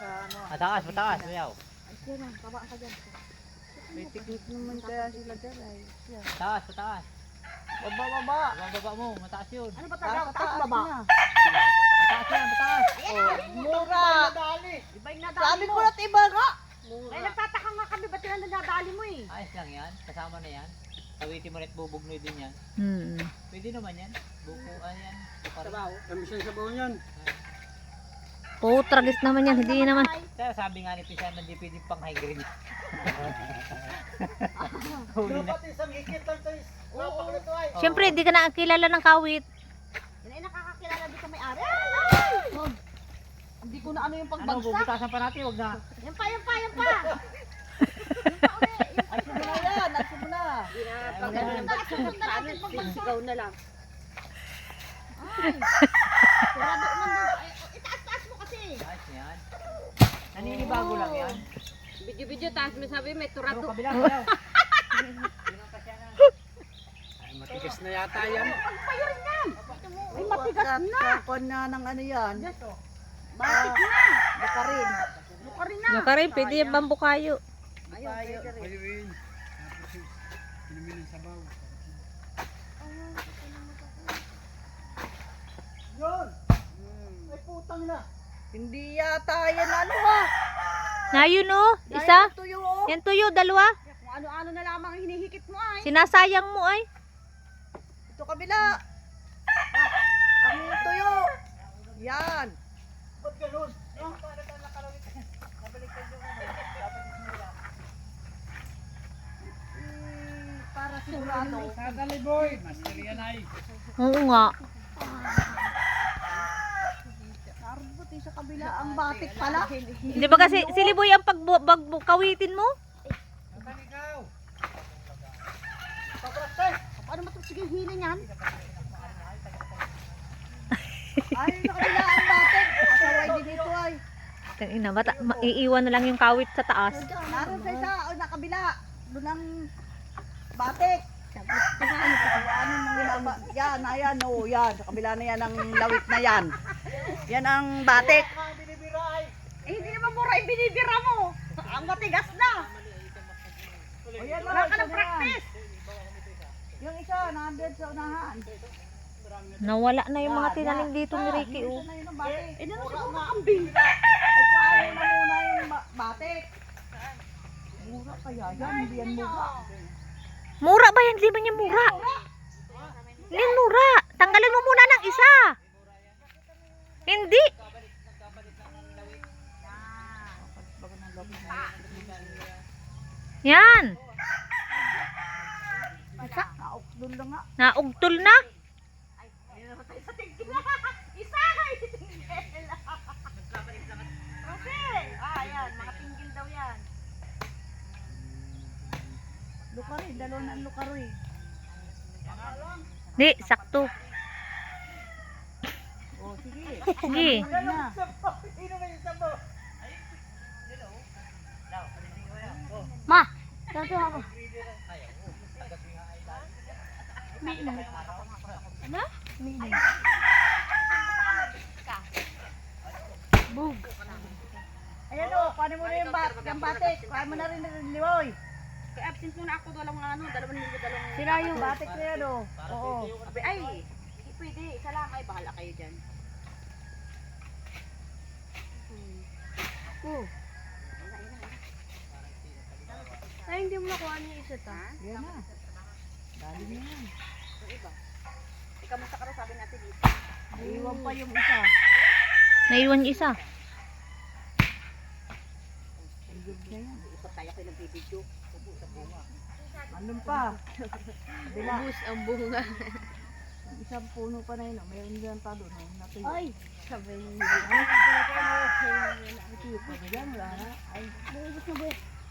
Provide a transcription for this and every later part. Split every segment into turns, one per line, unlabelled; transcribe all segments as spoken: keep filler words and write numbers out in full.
ano.
Mataas, mataas, mayaw.
Ay, siya lang, kabaan ka dyan.
May tiknik naman kaya sila dyan ay. Siya.
Mataas, mataas.
Baba, baba.
Ang baba mo, mataas yun.
Ano ba
Taas,
taas? Taas
taas
baba?
na.
Mataas yan, mataas.
Oh, mura.
Iba yung nadali
Sabi
mo.
ko na iba nga.
Ay, nagtataka nga kami, ba't yun ang nadali mo eh?
Ayos lang yan, kasama na yan. Tawitin mo rin at bubugnoy din yan.
Hmm.
Pwede naman yan. Bukuan yan.
Sabaw. Kami siya sabaw niyan.
Oh, tragis naman yan. Hindi naman.
Kaya sabi nga ni Pisan, hindi pwede pang high grade. Huli na.
Dapat isang higit lang tayo. Napakalito ay.
Siyempre, hindi ka nakakilala ng kawit.
Yan ay nakakakilala dito may ari. Ay! Wag. Hindi ko na ano yung
Ano,
pagbagsak.
bubutasan pa natin, wag na.
Yan pa, yan pa, yan pa.
Ay, sige na yan. Ay, sige na.
Ikaw na lang. Ay, kurado man doon. Ay, itaas-taas mo kasi.
Ayos yan. Naninibago lang yan.
Video-video, taas mo sabi may
Ano,
turado.
kabila, kayaw.
Ay, matigas na yata yan.
Pagpayo rin yan. Ay, matigas na.
Kakon na ng ano yan.
Batik na.
Baka rin.
Luka rin na.
Yung ka rin, pwede yung bambu kayo.
Ayaw, pwede rin.
Ayun. Inumin ng sabaw. Yun! Ay putang na. Hindi yata yan ano ha.
Na yun oh, isa.
Yan tuyo oh.
Yan tuyo, dalawa.
Kung ano-ano na lamang ang hinihikit mo ay.
Sinasayang mo ay.
Ito kabila. Ang tuyo. Yan. Ba't ganun? Para sigurado. Sadali boy. Mas kalian ay.
Oo nga.
Narbuti sa kabila ang batik pala.
Hindi ba kasi siliboy ang pagkawitin mo?
Ano ba ito? Sige, hili niyan.
Ay, sa kabila ang batik. Asaway din ito ay.
Ina, bata, maiiwan na lang yung kawit sa taas.
Naroon sa isa, o nakabila. Doon ang batik. Ano pa ano mga yan, ayan, oh, yan. Sa kabila na yan ang lawit na yan. Yan ang batik.
Eh, hindi naman mura yung binibira mo. Ang matigas na.
O yan,
Wala ka
isa
ng
na yan.
practice.
Yung isa, nandun sa unahan.
Nawala na yung mga tinanim dito ni Ricky oh.
Isa na yun ang batik.
Eh, naman siguro makambing.
Ay, paano na muna yung ba- batik? Mura kaya yan, hindi yan mura.
Mura ba yan? Hindi man yan mura. Hindi yan mura. Tanggalin mo muna ng isa. Hindi. Yan.
Isa, naukdol lang nga.
Naugtol na.
Sa tingkil na. Isa! Tingkil. Kasi, ah, yan. Mga tingkil daw yan.
Lukari, dalawa na ang lukari.
Di, sakto.
O, sige.
Sige.
Ano na?
Ma! Dito ako. Ano?
Bug. Ayan o, paano mo na yung, bat yung batik? Paano mo na rin yung liwoy?
Kaya absent muna ako dalawang ano, dalawang linggo, dalawang...
Sira yung batik na yan o. Oo.
Abi, ay, hindi pwede. Isa lang. Ay, bahala kayo dyan.
Oh,
Ay, hindi mo nakuha niya isa ta.
yan na. Dali na yan.
Yung iba. Ikaw mo sa karo, sabi natin dito.
Iwan pa yung isa.
Naiwan yung isa.
Igod na yan.
Ikot tayo kayo nagbibidyo.
Anong pa? Bila.
Ubus ang bunga.
Ang isang puno pa na yun. oh. Mayroon dyan pa doon. oh, natuyo.
Ay, sabi niyo.
Natuyo pa ba dyan? Wala na. Ay,
Ubus na ba?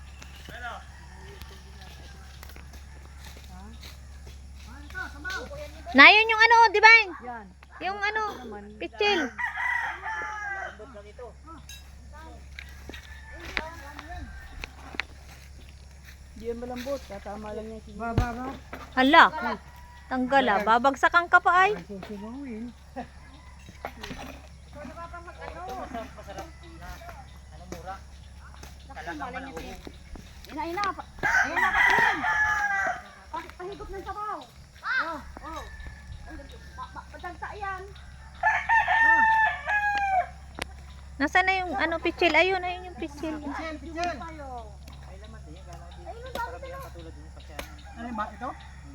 Nayon yung ano, di ba?
yan.
Yung ano, pichil.
Hindi yan malambot. Tatama lang yan. Ba, ba, ba.
Hala. Tanggal ah. Babagsakan ka pa ay.
Susunawin.
malay niya siya.
Ina, ina. pa- Ayan na, patingin. Pa- Pahigop ng sabaw. Oh, oh. Pa- pa- Padagsa yan.
Nasaan na yung ano pichil? Ayun, ayun yung pichil.
Pichel, pichel.
Ay laman din yan. Gano'n din. Karamihan katulad din sa kaya.
Ano yung ba ito?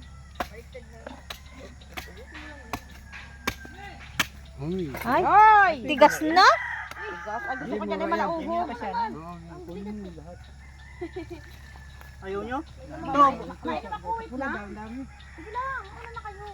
Ay,
Ay!
tigas na.
Tigas. Ay, gusto ko dyan ay malaubo. Ayaw nyo? Ito.
May nakuwit na.
dami.
Sige lang, ano na kayo?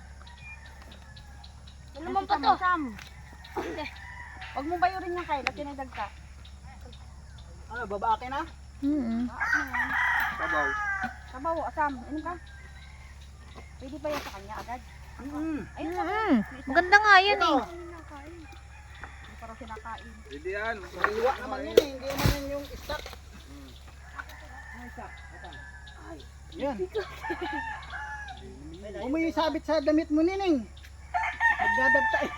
Ano man pa to?
Huwag mong bayurin yung kay. Lati na dagka. Ano, babake na?
Mm.
Sabaw. Sabaw, asam. Ano ka? Pwede ba yan sa kanya agad? Mm. Ayun,
Mm. Maganda nga yan eh.
Hindi para sinakain.
Hindi yan.
Iwa naman yan eh. Hindi naman yan yung stock. Ano stock? Ay. Yan. Huwag mo yung sabit sa damit mo, Nining. Magdadagta eh.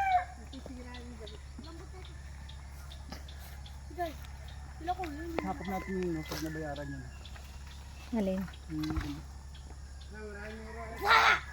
Sila ko yun.
Hapag natin yun, no, pag nabayaran yun.
Alin?
Hmm.